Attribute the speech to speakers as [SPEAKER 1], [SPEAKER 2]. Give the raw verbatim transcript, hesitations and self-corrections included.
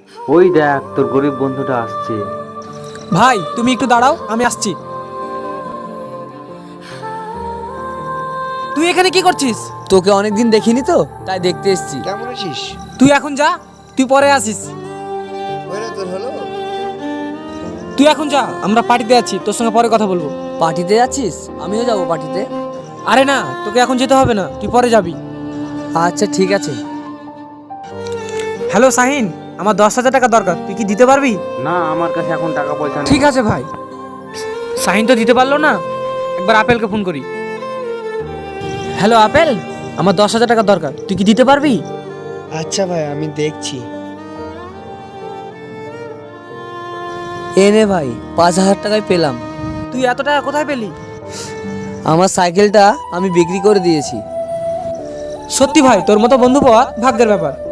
[SPEAKER 1] ওই দেখ তোর গরিব বন্ধুটা আসছে।
[SPEAKER 2] ভাই তুমি একটু দাঁড়াও, আমি আসছি। তুই এখানে কি করছিস?
[SPEAKER 3] তোকে অনেকদিন দেখিনি তো, তাই দেখতে এসেছি।
[SPEAKER 4] কেমন আছিস?
[SPEAKER 2] তুই এখন যা, তুই পরে আসিস।
[SPEAKER 4] ওরে তোর হলো?
[SPEAKER 2] তুই এখন যা, আমরা পার্টিতে আছি, তোর সঙ্গে পরে কথা বলবো।
[SPEAKER 3] পার্টিতে যাচ্ছিস? আমিও যাবো পার্টিতে।
[SPEAKER 2] আরে না, তোকে এখন যেতে হবে না, তুই পরে যাবি।
[SPEAKER 3] আচ্ছা ঠিক আছে।
[SPEAKER 2] হ্যালো শাহিন, আমার দশ হাজার টাকা দরকার, তুই কি দিতে পারবি?
[SPEAKER 1] না আমার কাছে এখন টাকা পয়সা নেই।
[SPEAKER 2] ঠিক আছে ভাই। শাহিন তো দিতে পারলো না, একবার আপেলকে ফোন করি। হ্যালো আপেল, আমার দশ হাজার টাকা দরকার, তুই কি দিতে পারবি?
[SPEAKER 4] আচ্ছা ভাই, আমি দেখছি।
[SPEAKER 3] এনে ভাই, পাঁচ হাজার টাকায় পেলাম।
[SPEAKER 2] তুই এত টাকা কোথায় পেলি?
[SPEAKER 3] আমার সাইকেলটা আমি বিক্রি করে দিয়েছি।
[SPEAKER 2] সত্যি ভাই, তোর মতো বন্ধু পাওয়া ভাগ্যের ব্যাপার।